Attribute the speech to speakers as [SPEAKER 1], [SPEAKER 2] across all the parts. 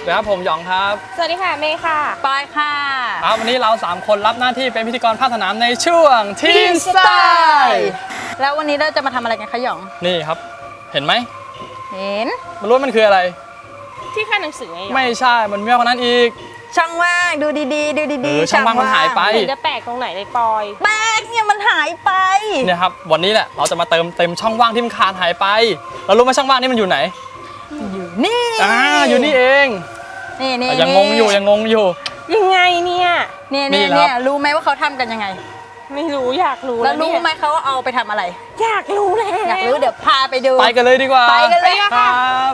[SPEAKER 1] สวัสดีครับผมหยองครับ
[SPEAKER 2] สวัสดีค่ะเมย์ค่ะ
[SPEAKER 3] ปอยค่ะ
[SPEAKER 1] วันนี้เรา3คนรับหน้าที่เป็นพิธีกรภาคสนามในช่วงทีมสไตล์
[SPEAKER 3] แล้ววันนี้เราจะมาทำอะไรกันคะหยอง
[SPEAKER 1] นี่ครับเห็นไหม
[SPEAKER 3] เห็น
[SPEAKER 1] มันรู้มันคืออะไร
[SPEAKER 2] ที่ค่ายหนังสือไง
[SPEAKER 1] ไม่ใช่มันมีมากกว่านั้นอีก
[SPEAKER 3] ช่องว่างดูดีๆดูดี
[SPEAKER 1] ๆช่องว่างมันหายไป
[SPEAKER 2] เห็นจะแปลกตรงไหนเลยปอย
[SPEAKER 3] แปลกเนี่ยมันหายไป
[SPEAKER 1] เนี่ยครับวันนี้แหละเราจะมาเต็มช่องว่างที่มันขาดหายไปเรารู้ไหมช่องว่างนี่มันอยู่ไหน
[SPEAKER 3] อยู่นี่
[SPEAKER 1] อยู่นี่เอง
[SPEAKER 3] นี่
[SPEAKER 1] ยังงงอยู่
[SPEAKER 2] ยังไง
[SPEAKER 3] เนี่ยรู้ไหมว่าเขาทำกันยังไง
[SPEAKER 2] ไม่รู้อยากรู้
[SPEAKER 3] แล้วรู้ไหมเขาเอาไปทำอะไร
[SPEAKER 2] อยากรู้แล้ว
[SPEAKER 3] อยากรู้เดี๋ยวพาไปดู
[SPEAKER 1] ไปกันเลยดีกว่า
[SPEAKER 3] ไปกันเลย
[SPEAKER 1] ครับ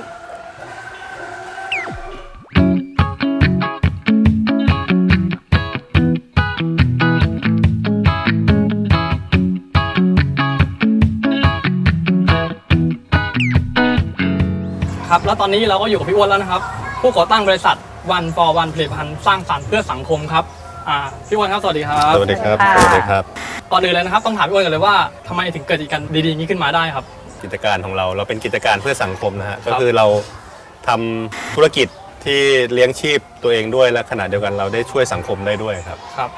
[SPEAKER 1] ครับแล้วตอนนี้เราก็อยู่กับพี่อ้วนแล้วนะครับผู้ก่อตั้งบริษัท One for One ผลิตภัณฑ์สร้างสรรค์เพื่อสังคมครับพี่อ้วนครับสวัสดีครับ
[SPEAKER 4] สวัสดีครับสวัสดีครับ
[SPEAKER 1] ก่อนอื่นเลยนะครับต้องถามพี่อ้วนกันเลยว่าทำไมถึงเกิดกิจการดีๆนี้ขึ้นมาได้ครับ
[SPEAKER 4] กิจการของเราเป็นกิจการเพื่อสังคมนะฮะก็คือเราทำธุรกิจที่เลี้ยงชีพตัวเองด้วยและขณะเดียวกันเราได้ช่วยสังคมได้ด้วยครับ
[SPEAKER 1] ครับ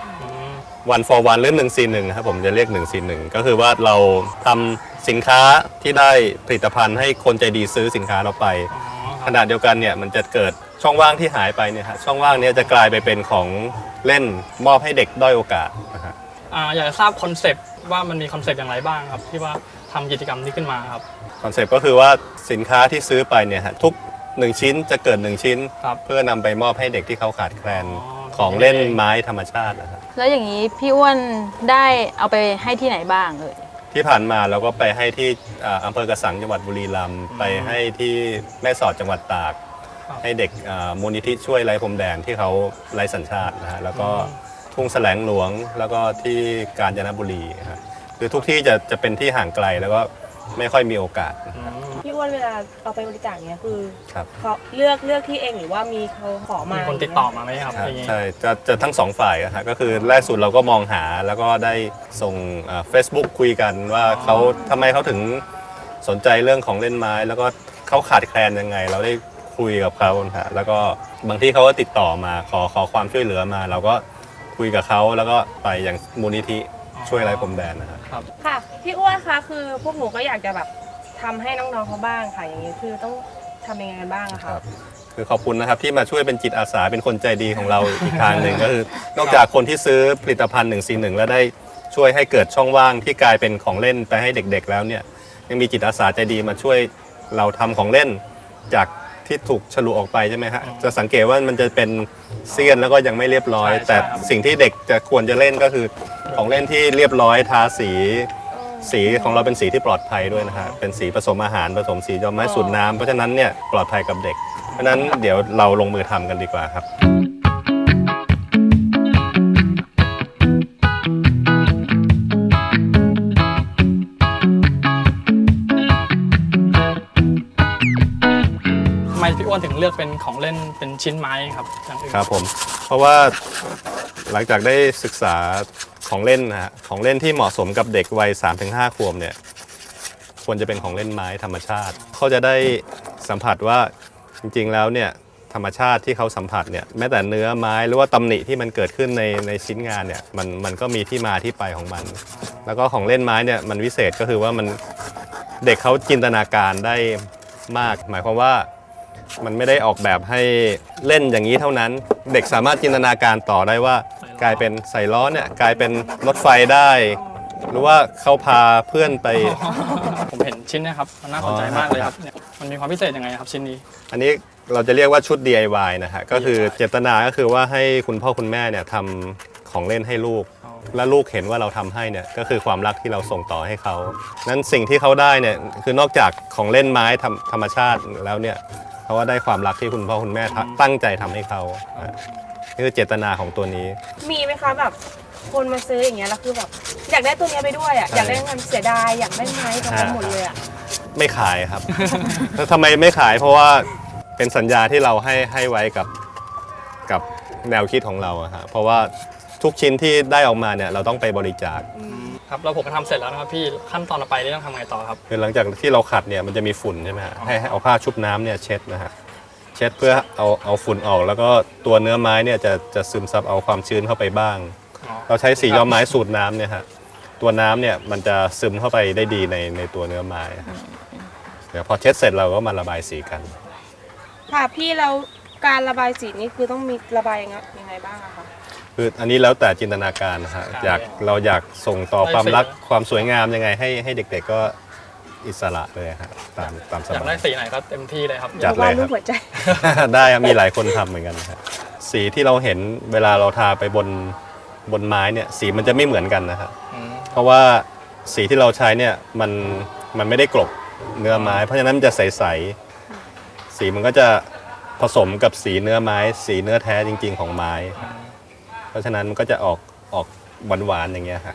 [SPEAKER 4] One for One หรือ141ครับผมจะเรียก141ก็คือว่าเราทำสินค้าที่ได้ผลิตภัณฑ์ให้คนใจดีซื้อสินค้าเราไปขณะเดียวกันเนี่ยมันจะเกิดช่องว่างที่หายไปเนี่ยฮะช่องว่างนี้จะกลายไปเป็นของเล่นมอบให้เด็กด้อยโอกาสนะฮะ
[SPEAKER 1] อยากจะทราบคอนเซปต์ว่ามันมีคอนเซปต์อย่างไรบ้างครับที่ว่าทำกิจกรรมนี้ขึ้นมาครับ
[SPEAKER 4] คอนเซปต์ก็คือว่าสินค้าที่ซื้อไปเนี่ยฮะทุก1ชิ้นจะเกิด1ชิ้นเพื่อนำไปมอบให้เด็กที่เขาขาดแคลนของเล่นไม้ธรรมชาตินะครับ
[SPEAKER 3] แล้วอย่างนี้พี่อ้วนได้เอาไปให้ที่ไหนบ้างเลย
[SPEAKER 4] ที่ผ่านมาเราก็ไปให้ที่อำเภอกระสังจังหวัดบุรีรัมย์ไปให้ที่แม่สอดจังหวัดตากให้เด็กมูลนิธิช่วยไร้พรมแดนที่เขาไร้สัญชาตินะฮะแล้วก็ทุ่งแสลงหลวงแล้วก็ที่กาญจนบุรีครับคือทุกที่จะเป็นที่ห่างไกลแล้วก็ไม่ค่อยมีโอกาส
[SPEAKER 2] พี่อ้วนเวลาเอาไปบริจาคเนี้ยคือเขาเลือกที่เองหรือว่ามีเขาขอมา
[SPEAKER 1] คนติดต่อมาไหมครับ
[SPEAKER 4] ใช่จะทั้งสองฝ่ายนะฮะก็คือแรกสุดเราก็มองหาแล้วก็ได้ส่งFacebook คุยกันว่าเขาทำไมเขาถึงสนใจเรื่องของเล่นไม้แล้วก็เขาขาดแคลนยังไงเราได้คุยกับเขาฮะแล้วก็บางที่เขาก็ติดต่อมาขอความช่วยเหลือมาเราก็คุยกับเขาแล้วก็ไปอย่างมูลนิธิช่วยไร้พรมแดนนะครับ
[SPEAKER 2] ค่ะพี่อ้วนคะคือพวกหนูก็อยากจะแบบทำให้น้องๆเขาบ้างค่ะอย่างนี้คือต้องทำยังไงบ้างอะคะ
[SPEAKER 4] คือขอบคุณนะครับที่มาช่วยเป็นจิตอาสาเป็นคนใจดีของเราอีกทางหนึ่งก็คือนอกจากคนที่ซื้อผลิตภัณฑ์141แล้วได้ช่วยให้เกิดช่องว่างที่กลายเป็นของเล่นไปให้เด็กๆแล้วเนี่ยยังมีจิตอาสาใจดีมาช่วยเราทำของเล่นจากที่ถูกฉลุออกไปใช่ไหมฮะจะสังเกตว่ามันจะเป็นเสี้ยนแล้วก็ยังไม่เรียบร้อยแต่สิ่งที่เด็กจะควรจะเล่นก็คือของเล่นที่เรียบร้อยทาสีของเราเป็นสีที่ปลอดภัยด้วยนะฮะเป็นสีผสมอาหารผสมสีดอกไม้สูตรน้ำเพราะฉะนั้นเนี่ยปลอดภัยกับเด็กเพราะฉะนั้นเดี๋ยวเราลงมือทำกันดีกว่าครับ
[SPEAKER 1] ทำไมพี่อ้วนถึงเลือกเป็นของเล่นเป็นชิ้นไม้ครับ
[SPEAKER 4] ครับผมเพราะว่าหลังจากได้ศึกษาของเล่นนะฮะของเล่นที่เหมาะสมกับเด็กวัย 3-5 ขวบเนี่ยควรจะเป็นของเล่นไม้ธรรมชาติเขาจะได้สัมผัสว่าจริงๆแล้วเนี่ยธรรมชาติที่เขาสัมผัสเนี่ยแม้แต่เนื้อไม้หรือว่าตำหนิที่มันเกิดขึ้นในชิ้นงานเนี่ยมันก็มีที่มาที่ไปของมันแล้วก็ของเล่นไม้เนี่ยมันวิเศษก็คือว่ามันเด็กเขาจินตนาการได้มากหมายความว่ามันไม่ได้ออกแบบให้เล่นอย่างนี้เท่านั้นเด็กสามารถจินตนาการต่อได้ว่ากลายเป็นใส่ล้อเนี่ยกลายเป็นรถไฟได้หรือว่าเขาพาเพื่อนไป
[SPEAKER 1] ผมเห็นชิ้นนี้ครับมันน่าสนใจมากเลยครับมันมีความพิเศษยังไงครับชิ้นนี้
[SPEAKER 4] อันนี้เราจะเรียกว่าชุด DIY นะฮะก็คือเจตนาก็คือว่าให้คุณพ่อคุณแม่เนี่ยทำของเล่นให้ลูกและลูกเห็นว่าเราทำให้เนี่ยก็คือความรักที่เราส่งต่อให้เขานั้นสิ่งที่เขาได้เนี่ยคือนอกจากของเล่นไม้ธรรมชาติแล้วเนี่ยเขาว่าได้ความรักที่คุณพ่อคุณแม่ตั้งใจทำให้เขานี่คือเจตนาของตัวนี้
[SPEAKER 2] มีไหมคะแบบคนมาซื้ออย่างเงี้ยแล้วคือแบบอยากได้ตัวนี้ไปด้วยอ่ะอยากได้เงินเสียดายอยากได้ไม้ทั้งหมดเลยอ่ะ
[SPEAKER 4] ไม่ขายครับแล้วทำไมไม่ขายเพราะว่าเป็นสัญญาที่เราให้ไว้กับแนวคิดของเราอะฮะเพราะว่าทุกชิ้นที่ได้ออกมาเนี่ยเราต้องไปบริจาค
[SPEAKER 1] ครับเราผมก็ทำเสร็จแล้วนะครับพี่ขั้นตอนต่อไปนี่ต้องทำไงต่อครับ
[SPEAKER 4] คือหลังจากที่เราขัดเนี่ยมันจะมีฝุ่นใช่ไหมฮะให้เอาผ้าชุบน้ำเนี่ยเช็ดนะฮะเช็ดเพื่อเอาฝุ่นออกแล้วก็ตัวเนื้อไม้เนี่ยจะซึมซับเอาความชื้นเข้าไปบ้าง เราใช้สีย้อมไม้สูตรน้ำเนี่ยฮะตัวน้ำเนี่ยมันจะซึมเข้าไปได้ดีในตัวเนื้อไม้ครับเดี๋ยวพอเช็ดเสร็จเราก็มาระบายสีกัน
[SPEAKER 2] ค่ะพี่แล้วการระบายสีนี่คือต้องมีระบายยังไงบ้างอะคะ
[SPEAKER 4] คืออันนี้แล้วแต่จินตนาการนะฮะเราอยากส่งต่อความรักความสวยงามยังไงให้เด็กๆก็อิสระเลยฮะตามส
[SPEAKER 1] อยาก
[SPEAKER 4] บา
[SPEAKER 1] ได้
[SPEAKER 4] ย
[SPEAKER 1] สีไหนก็เต็มที่เลยครับ
[SPEAKER 4] จัดเลย
[SPEAKER 2] วาด
[SPEAKER 4] ค
[SPEAKER 2] รู
[SPEAKER 4] รั
[SPEAKER 2] ป
[SPEAKER 4] บ
[SPEAKER 2] หัวใจ
[SPEAKER 4] ได้ครับมีหลายคนทำเหมือนกันครับสีที่เราเห็นเวลาเราทาไปบนไม้เนี่ยสีมันจะไม่เหมือนกันนะครับ
[SPEAKER 1] อืม
[SPEAKER 4] เพราะว่าสีที่เราใช้เนี่ยมันไม่ได้กลบเนื้อไม้ เพราะฉะนั้นมันจะใสๆสีมันก็จะผสมกับสีเนื้อไม้ สีเนื้อแท้จริง ๆของไม้ครับเพราะฉะนั้นมันก็จะออกหวานๆอย่างเงี้ยครับ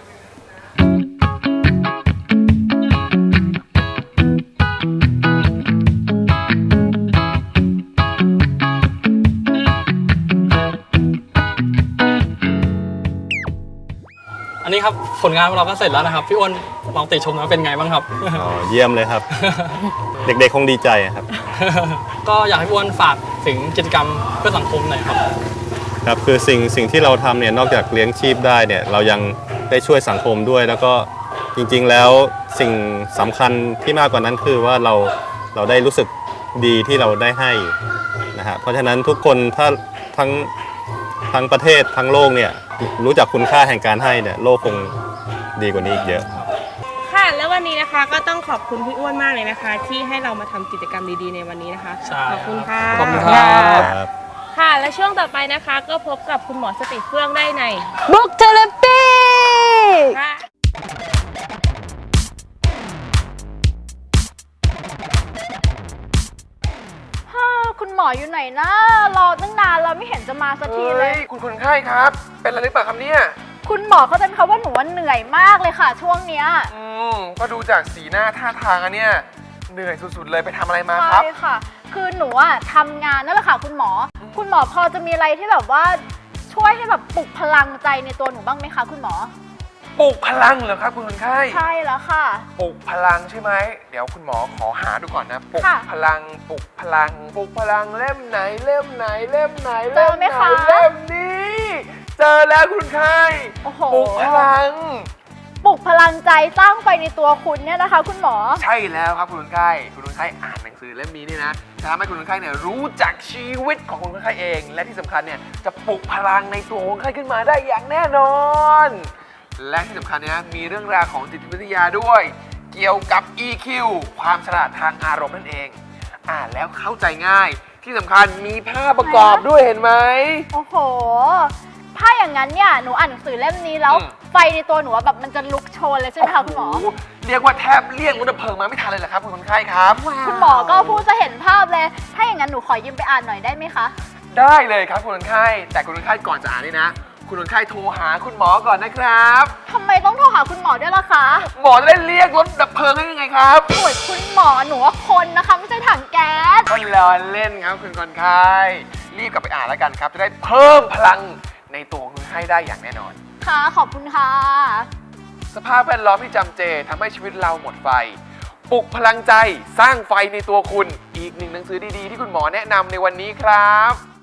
[SPEAKER 1] อันนี้ครับผลงานของเราก็เสร็จแล้วนะครับพี่อ้วนลองติชมนะเป็นไงบ้างครับ
[SPEAKER 4] อ๋อเยี่ยมเลยครับ เด็กๆคงดีใจครับ
[SPEAKER 1] ก็อยากให้พี่อ้วนฝากถึงกิจกรรมเพื่อสังคมหน่อยครับ
[SPEAKER 4] ครับคือสิ่งที่เราทำเนี่ยนอกจากเลี้ยงชีพได้เนี่ยเรายังได้ช่วยสังคมด้วย แล้วก็จริงๆแล้วสิ่งสำคัญที่มากกว่านั้นคือว่าเราได้รู้สึกดีที่เราได้ให้นะฮะเพราะฉะนั้นทุกคนถ้าทั้งประเทศทั้งโลกเนี่ยรู้จักคุณค่าแห่งการให้เนี่ยโลกคงดีกว่านี้อีกเยอะ
[SPEAKER 2] ค่ะแล้ววันนี้นะคะก็ต้องขอบคุณพี่อ้วนมากเลยนะคะ ที่ให้เรามาทำกิจกรรมดีๆในวันนี้นะคะ
[SPEAKER 1] ใช่
[SPEAKER 2] ขอบคุณค่ะ
[SPEAKER 1] ขอบคุณครับ
[SPEAKER 4] ครับ
[SPEAKER 2] ค่ะและช่วงต่อไปนะคะ ก็พบกับคุณหมอสติเฟื่องได้ใน
[SPEAKER 3] Book Therapy
[SPEAKER 2] ค่ะ
[SPEAKER 3] คุณหมออยู่ไหนนะ รอตั้งนานเราไม่เห็นจะมาสักทีเลย
[SPEAKER 5] คุณคนไข้ครับ เป็นอะไรหรือเปล่าครับเนี่ย
[SPEAKER 3] คุณหมอเขาจะเขาว่าหนูว่าเหนื่อยมากเลยค่ะ ช่วงเนี้ย
[SPEAKER 5] ก็ดูจากสีหน้าท่าทางอันเนี้ยเหนื่อยสุดๆเลยไปทำอะไรมาครับ
[SPEAKER 3] ใช่ค่ะ คือหนูอะทำงานนั่นแหละค่ะคุณหมอ คุณหมอพอจะมีอะไรที่แบบว่าช่วยให้แบบปลุกพลังใจในตัวหนูบ้างไหมคะคุณหมอ
[SPEAKER 5] ปลุกพลังเหรอครับคุณคนไข้
[SPEAKER 3] ใช่แล้วค่ะ
[SPEAKER 5] ปลุกพลังใช่ไหม เดี๋ยวคุณหมอขอหาดูก่อนนะ ปลุก
[SPEAKER 3] ค่ะ
[SPEAKER 5] พลัง ปลุกพลัง ปลุกพลังเล่มไหนเล่มไหนเล่มไหน
[SPEAKER 3] เจอไหมคะ
[SPEAKER 5] เล่มนี้ เจอแล้วคุณไข้
[SPEAKER 3] โอ้โห
[SPEAKER 5] ปลุกพลัง
[SPEAKER 3] ปลุกพลังใจสร้างไฟในตัวคุณเนี่ยนะคะ คุณหมอ
[SPEAKER 5] ใช่แล้วครับคุณคนไข้คุณคนไข้อ่านหนังสือเล่มนี้นี่นะจะทำให้คุณคนไข้เนี่ยรู้จักชีวิตของคุณคนไข้เอง และที่สำคัญเนี่ยจะปลุกพลังในตัวคนไข้ขึ้นมาได้อย่างแน่นอน และที่สำคัญเนี่ยมีเรื่องราวของจิตวิทยาด้วย เกี่ยวกับ EQ ความฉลาดทางอารมณ์นั่นเอง อ่านแล้วเข้าใจง่าย ที่สำคัญมีภาพประกอบด้วยเห็นไหม
[SPEAKER 3] โอ้โห ถ้าอย่างนั้นเนี่ยหนูอ่านหนังสือเล่มนี้แล้ว ไฟในตัวหนูอะแบบมันจะลุกโชนเลยใช่ไหมคะคุณหมอ
[SPEAKER 5] โโเรียกว่าแทบเรียกรถดับเพลิงมาไม่ทันเลยเหรอครับคุณคนไข้ครับ
[SPEAKER 3] คุณหมอก็พูดจะเห็นภาพเลย ถ้าอย่างนั้นหนูขอยืมไปอ่านหน่อยได้ไหมคะ
[SPEAKER 5] ได้เลยครับคุณคนไข้แต่คุณคนไข้ก่อนจะอ่านนี่นะ คุณคนไข้โทรหาคุณหมอก่อนนะครับ
[SPEAKER 3] ทำไมต้องโทรหาคุณหมอด้วยล่ะคะ
[SPEAKER 5] หมอจะได้เรียกรถดับเพลิงได้ยังไงครับ
[SPEAKER 3] โอ้ยคุณหมอหนูว่าคนนะคะไม่ใช่ถังแก๊ส
[SPEAKER 5] ก็ล้อเล่นครับคุณคนไข้รีบกลับไปอ่านแล้วกันครับ จะได้เพิ่มพลังในตัวของคุณไข้ได้อย่างแน่นอน
[SPEAKER 3] ค่ะ ขอบคุณค่ะ
[SPEAKER 5] สภาพแวดล้อมที่จำเจทำให้ชีวิตเราหมดไฟ ปลุกพลังใจสร้างไฟในตัวคุณ อีกหนึ่งหนังสือดีๆที่คุณหมอแนะนำในวันนี้ครับ